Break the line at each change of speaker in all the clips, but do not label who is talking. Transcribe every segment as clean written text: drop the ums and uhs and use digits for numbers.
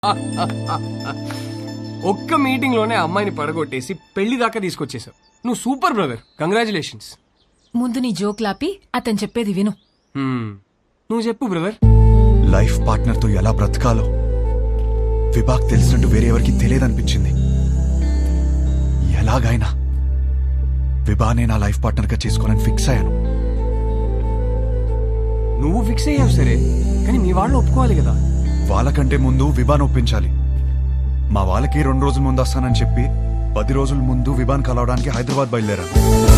ఒక్క మీటింగ్ లోనే అమ్మాయిని పడగొట్టేసి పెళ్లి దాకా తీసుకొచ్చేసావు. నువ్వు సూపర్ బ్రదర్, కంగ్రాచులేషన్స్.
ముందు నీ జోక్లాపి అతను చెప్పేది విను.
నువ్వు చెప్పు బ్రదర్.
లైఫ్ పార్ట్నర్ తో ఎలా బ్రతకాలో విభాగ్ తెలిసినట్టు వేరే ఎవరికి తెలియదనిపించింది. ఎలాగైనా విభానే నా లైఫ్ పార్ట్నర్ గా చేసుకోనని ఫిక్స్ అయ్యాను.
నువ్వు ఫిక్స్ అయ్యావు సరే, కానీ మీ వాళ్ళు ఒప్పుకోవాలి కదా.
వాళ్ళకంటే ముందు విభాన్ ఒప్పించాలి. మా వాళ్ళకి 2 రోజుల ముందు వస్తానని చెప్పి 10 రోజుల ముందు విభాన్ కలవడానికి హైదరాబాద్ బయలుదేరాను.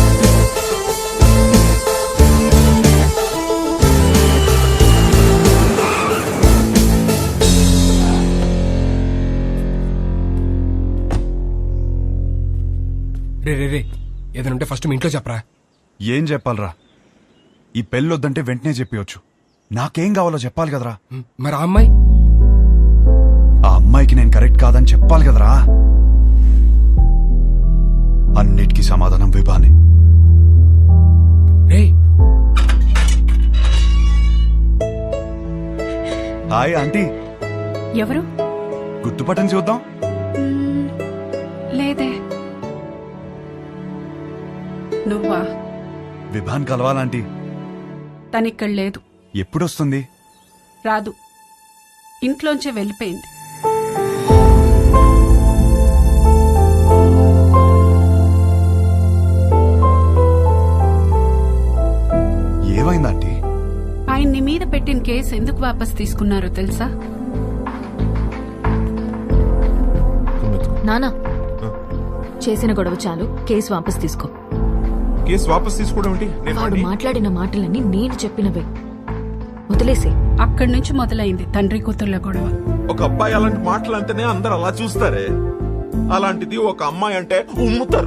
రే ఏదైనా ఫస్ట్ మీ ఇంట్లో చెప్పరా.
ఏం చెప్పాలరా? ఈ పెళ్ళొద్దంటే వెంటనే చెప్పవచ్చు. నాకేం కావాలో చెప్పాలి కదరా.
మరి ఆ అమ్మాయి?
ఆ అమ్మాయికి నేను కరెక్ట్ కాదని చెప్పాలి కదరా. అన్నిటికీ సమాధానం విభానే.
రే
హాయ్ ఆంటీ.
ఎవరు?
గుర్తుపట్టని చూద్దాం.
లేదే. నువ్వా?
విభాన్ కలవాలంటీ.
తనిక్కడ లేదు.
ఎప్పుడొస్తుంది?
రాదు, ఇంట్లోంచే వెళ్ళిపోయింది.
ఏమైందంటీ?
ఆయన్ని మీద పెట్టిన కేసు ఎందుకు వాపస్ తీసుకున్నారో తెలుసా?
నానా, చేసిన గొడవ చాలు, కేసు వాపస్ తీసుకో.
కేసు వాపస్ తీసుకోవడం ఏంటి?
వాడు మాట్లాడిన మాటలన్నీ నేను చెప్పినవే, వదిలేసే.
అక్కడి నుంచి మొదలైంది తండ్రి కూతుర్ల గొడవ.
ఒక అబ్బాయి అలాంటి మాటలు అంటేనే అందరు అలా చూస్తారే, అలాంటిది ఒక అమ్మాయి అంటే ఉమ్ముతారు.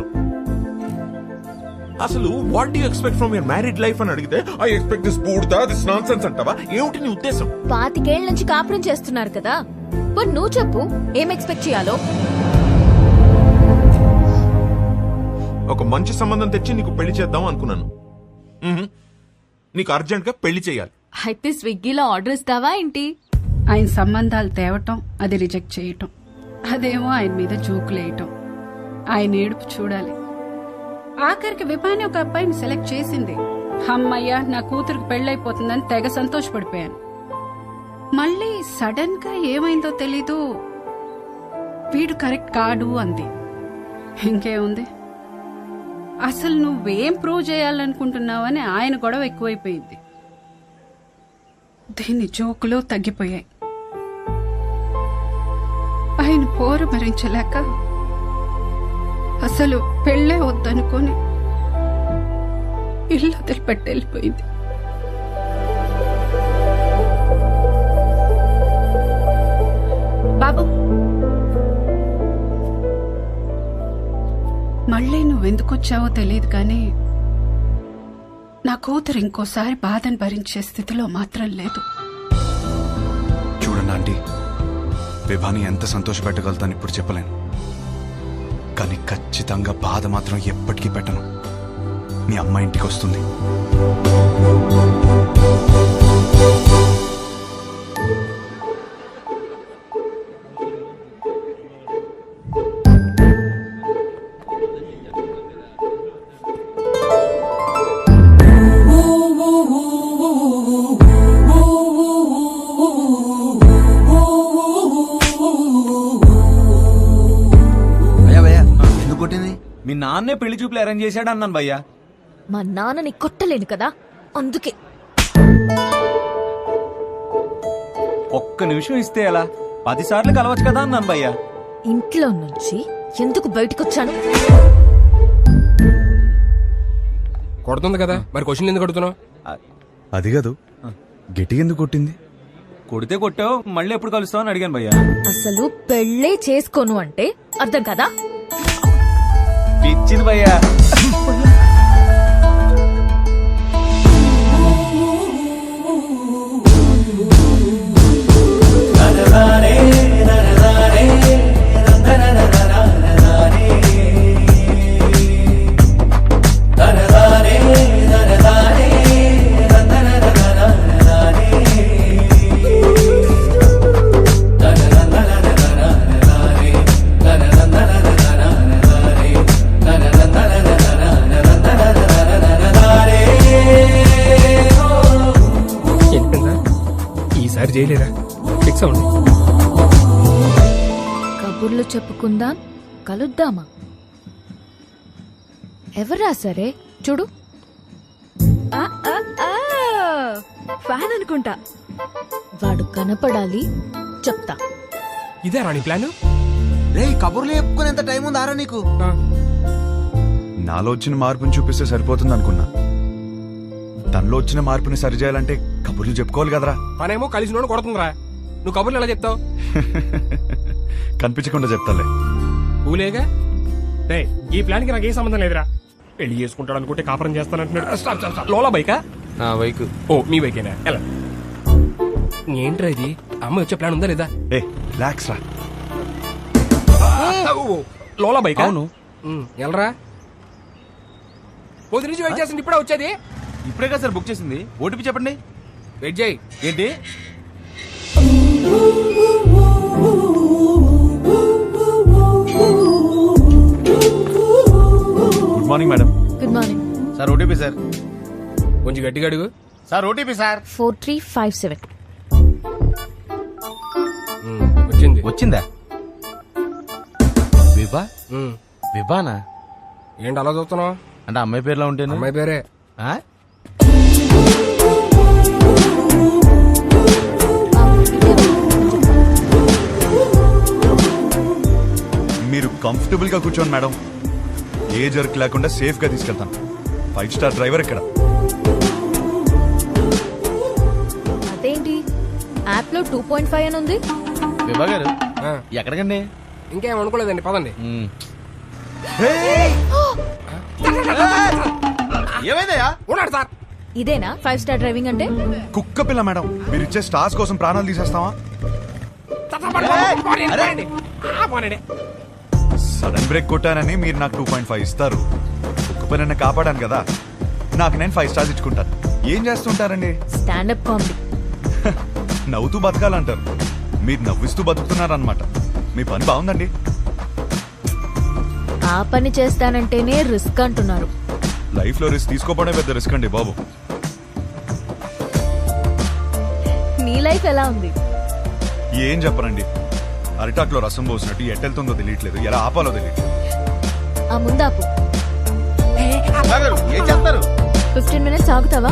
అసలు what do you expect from your married life అని అడిగితే ఐ ఎక్స్పెక్ట్ దిస్ బూడ్దా, దిస్ నాన్సెన్స్ అంటావా? ఏమిటి నీ ఉద్దేశం?
25 ఏళ్ల నుంచి కాపురం చేస్తున్నారు కదా, మరి నువ్వు చెప్పు ఏం ఎక్స్పెక్ట్ చేయాలో.
ఒక మంచి సంబంధం తెచ్చి నీకు పెళ్లి చేద్దాం అనుకున్నాను. నీకు అర్జెంట్ గా పెళ్లి చేయాలి.
అయితే స్విగ్గీలో ఆర్డర్ ఇస్తావా ఏంటి?
ఆయన సంబంధాలు తేవటం, అది రిజెక్ట్ చేయటం, అదేమో ఆయన మీద జోకులేయటం. ఆయన ఏడుపు చూడాలి. ఆఖరికి విభాని ఒక అబ్బాయిని సెలెక్ట్ చేసింది. అమ్మయ్య, నా కూతురికి పెళ్ళైపోతుందని తెగ సంతోషపడిపోయాను. మళ్ళీ సడన్ గా ఏమైందో తెలీదు, వీడు కరెక్ట్ కాడు అంది. ఇంకేముంది, అసలు నువ్వేం ప్రూవ్ చేయాలనుకుంటున్నావని ఆయన గొడవ ఎక్కువైపోయింది. దీని జోకులు తగ్గిపోయాయి. ఆయన పోరు భరించలేక అసలు పెళ్ళే వద్దనుకొని ఇల్లు వదిలిపెట్టి వెళ్ళిపోయింది. బాబు, మళ్ళీ నువ్వెందుకొచ్చావో తెలియదు కానీ నా కూతురు ఇంకోసారి బాధను భరించే స్థితిలో మాత్రం లేదు.
చూడండి ఆంటీ, విభాని ఎంత సంతోషపెట్టగలుగుతాను ఇప్పుడు చెప్పలేను, కానీ ఖచ్చితంగా బాధ మాత్రం ఎప్పటికీ పెట్టను. మీ అమ్మ ఇంటికి వస్తుంది.
మీ నాన్నే పెళ్లి చూపులు అరేంజ్ చేశాడు అన్నాను భయ్యా.
మా నాన్నని కొట్టలేను కదా, అందుకే.
ఒక్క నిమిషం ఇస్తే ఎలా? 10 సార్లు కలవచ్చు కదా అన్నాను భయ్యా.
ఇంట్లో నుంచి ఎందుకు బయటకొచ్చాను?
కొడుతుంది కదా, మరి క్వశ్చన్ ఎందుకు కొడుతున్నావు?
అది కాదు, గిటి ఎందుకు కొట్టింది?
కొడితే కొట్టావు, మళ్ళీ ఎప్పుడు కలుస్తావు అని అడిగాను భయ్యా.
అసలు పెళ్ళే చేసుకోను అంటే అర్థం కదా?
పిచ్చింది భయ్యా.
కబుర్లు చెప్పుకుందాం, కలుద్దామా? ఎవరు రాసారే? చూడు. ఫ్యాన్ అనుకుంటా. వాడు కనపడాలి, చెప్తా.
ఇదే రాణి ప్లాన్.
రే కబుర్లు చెప్పుకునేంత టైం ఉందారా నీకు?
నాలో వచ్చిన మార్పుని చూపిస్తే సరిపోతుంది అనుకున్నా. తనలో వచ్చిన మార్పుని సరిచేయాలంటే కబుర్లు చెప్పుకోవాలి కదరా.
పనేమో కలిసి నోడు కొడుతుందిరా. నువ్వు కబుర్లు ఎలా చెప్తావు?
కనిపించకుండా చెప్తాలే.
ఊలేగా డే, ఈ ప్లాన్ కి నాకు ఏ సంబంధం లేదురా. పెళ్లి చేసుకుంటాడు అనుకుంటే కాపురం చేస్తానంటున్నాడు. Stop stop stop. లోలా బైకా?
బైక్.
ఓ మీ బైకేనా? ఎలా ఏంట్రా ఇది? అమ్మ వచ్చే ప్లాన్ ఉందా లేదా?
ఏ రిలాక్స్ రా.
ఓ, లోలా బైక్?
అవును.
ఎలరా పొద్దు నుంచి వెయిట్ చేస్తుంది, ఇప్పుడే వచ్చేది.
ఇప్పుడే కదా సార్ బుక్ చేసింది. ఓటీపీ చెప్పండి.
వెయిట్ చేయి.
ఏంటి?
Good morning madam.
Good morning.
Sir OTP sir.
కొంచెం గట్టిగా అడుగు.
Sir OTP sir.
4357.
వచ్చింది.
వచ్చిందా? విభా?
ఉమ్.
విభానా?
ఏంటి అలా చూస్తున్నావు?
అంటే అమ్మాయి పేరులో ఉంటేనే.
అమ్మాయి పేరే.
ఆ?
మీరు కంఫర్టబుల్ గా కూర్చోండి మేడం. ఏ జర్క్ లేకుండా సేఫ్ గా తీసుకెళ్తాను. 5 స్టార్ డ్రైవర్ ఇక్కడ.
అదేంటి యాప్ లో 2.5 అని ఉంది?
విభా గారు
ఆ,
ఎక్కడికండి?
ఇంకేం అనుకోలేదండి, పదండి.
ఏమైందయ్యా?
ఉన్నాడు సార్.
ఇదేనా 5 స్టార్ డ్రైవింగ్ అంటే?
కుక్క పిల్ల మేడం. మీరు ఇచ్చే స్టార్స్ కోసం ప్రాణాలు తీసేస్తావా? సడన్ బ్రేక్ కొట్టానని మీరు నాకు 2.5 ఇస్తారు. కుక్క పిల్లని కాపాడాను కదా, నాకు నేను 5 స్టార్స్ ఇచ్చుకుంటాను. ఏం చేస్తుంటారండి?
Standup comedy.
నవ్వుతూ బతకాలంటారు, మీరు నవ్విస్తూ బతుకుతున్నారన్నమాట. మీ పని బాగుందండి.
ఆ పని చేస్తానంటేనే రిస్క్ అంటున్నారు.
లైఫ్ లో రిస్క్ తీసుకోవడమే పెద్ద రిస్క్ అండి బాబు.
నీ లైఫ్ ఎలా ఉంది?
ఏం చెప్పరండి, అరిటాక్లో రసం పోసినట్టు ఎట్టెళ్తుందో తెలియట్లేదు, ఎలా ఆపాలో తెలియట్లేదు.
ఆ ముందాపు.
విభా గారు ఏం చేస్తారు?
15 minutes ఆగుతావా?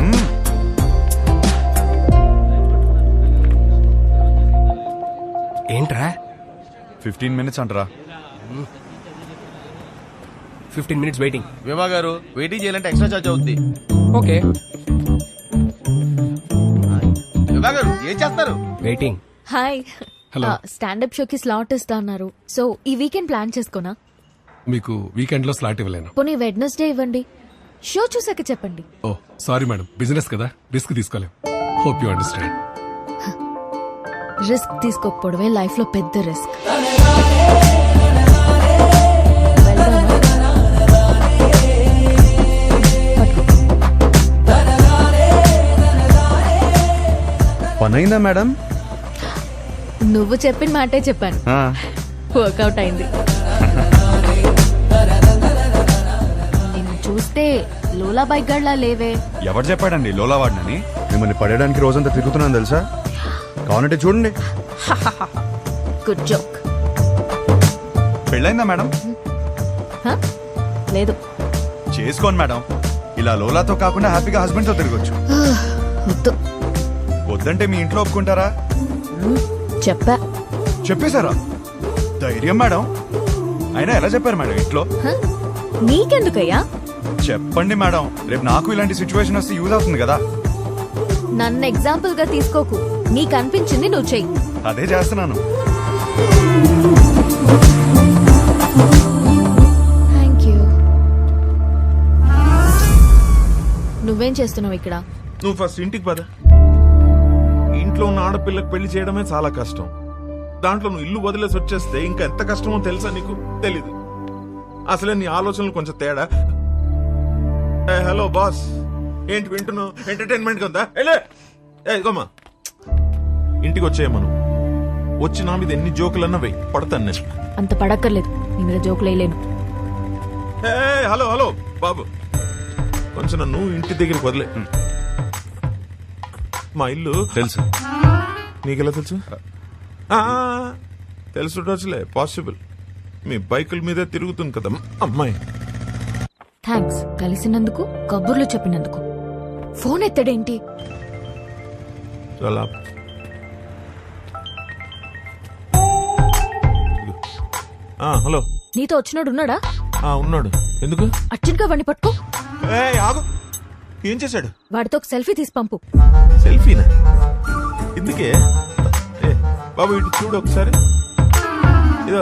ఏంట్రా
15 minutes అంటారా?
15 minutes వెయిటింగ్.
విభా గారు వెయిటింగ్ చేయాలంటే ఎక్స్ట్రా చార్జ్ అవుద్ది.
ఓకే
విభా గారు ఏం చేస్తారు?
వెయిటింగ్.
హాయ్. స్టాండప్ షోకి స్లాట్ ఇస్తా అన్నారు. సో ఈ వీకెండ్ ప్లాన్ చేసుకోనా?
మీకు వీకెండ్ లో స్లాట్ ఇవ్వలేను.
పోనీ వెడ్నెస్డే ఇవ్వండి. షో చూసాక చెప్పండి.
ఓ సారీ మేడం, బిజినెస్ కదా, రిస్క్ తీసుకోలేం. Hope you understand.
రిస్క్ తీసుకోకపోవడమే లైఫ్ లో పెద్ద రిస్క్.
పనైందా మేడం?
నువ్వు చెప్పిన మాటే చెప్పాను. వర్కౌట్ అయింది. నిన్ను చూస్తే లోలా బైక్ గడ్లా లేవే.
ఎవరు చెప్పాడండి లోలా వాడినని? మిమ్మల్ని పడేయడానికి రోజంతా తిరుగుతున్నాను తెలుసా. కావాలంటే చూడండి.
Good joke.
పెళ్ళైందా మేడం?
లేదు.
చేసుకోండి మేడం. ఇలా లోలాతో కాకుండా హ్యాపీగా హస్బెండ్ తో తిరగొచ్చు.
వద్దు.
వద్దంటే మీ ఇంట్లో ఒప్పుకుంటారా?
చెప్పా.
చెప్పేశారా? ధైర్యం మేడం. అయినా ఎలా చెప్పారు మేడం ఇంట్లో?
నీకెందుకయ్యా?
చెప్పండి మేడం, రేపు నాకు ఇలాంటి సిచ్యువేషన్ వస్తే యూజ్ అవుతుంది కదా.
నన్ను ఎగ్జాంపుల్ గా తీసుకోకు. నీకు అనిపించింది నువ్వు చెయ్యి.
అదే చేస్తున్నాను.
Thank you. నువ్వేం చేస్తున్నావు ఇక్కడ?
నువ్వు ఫస్ట్ ఇంటికి పద. ఇంట్లో ఉన్న ఆడపిల్లకి పెళ్లి చేయడమే చాలా కష్టం. దాంట్లో నువ్వు ఇల్లు వదిలేసి వచ్చేస్తే ఇంకా ఎంత కష్టమో తెలుసా నీకు? తెలీదు. అసలే నీ ఆలోచనలు కొంచెం తేడా. హలో బాస్, ఏంటి వింటున్నావు? ఎంటర్టైన్మెంట్ ఉందా? ఇదిగోమ్మా, ఇంటికి వచ్చేయమను. వచ్చి నా మీద ఎన్ని జోకులన్నా వెయ్యి, పడతాను నేను.
అంత పడక్కర్లేదు, నీ మీద జోకులు వేయలేను.
హలో హలో బాబు, కొంచెం నన్ను ఇంటి దగ్గరికి వదిలే. మా ఇల్లు
తెలుసు.
నీకెలా తెలుసు? తెలుసుటొచ్చులే పాసిబుల్. మీ బైకుల మీదే తిరుగుతుంది కదా అమ్మాయి.
థ్యాంక్స్ కలిసినందుకు, కబుర్లు చెప్పినందుకు. ఫోన్ ఎత్తడేంటి?
చాలా హలో.
నీతో వచ్చినోడు ఉన్నాడా?
ఉన్నాడు. ఎందుకు?
అర్జెంట్ గా వండి పట్టుకో.
ఆగు. ఏం చేశాడు?
వాడితో ఒక సెల్ఫీ తీసి పంపు.
సెల్ఫీనా? ఇందుకే బాబు ఇటు చూడు ఒకసారి. ఇదో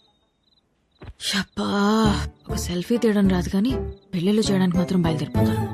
షప్పా, ఒక సెల్ఫీ తీయడం రాదు కానీ పెళ్లిళ్ళు చేయడానికి మాత్రం బయలుదేరిపోతాను.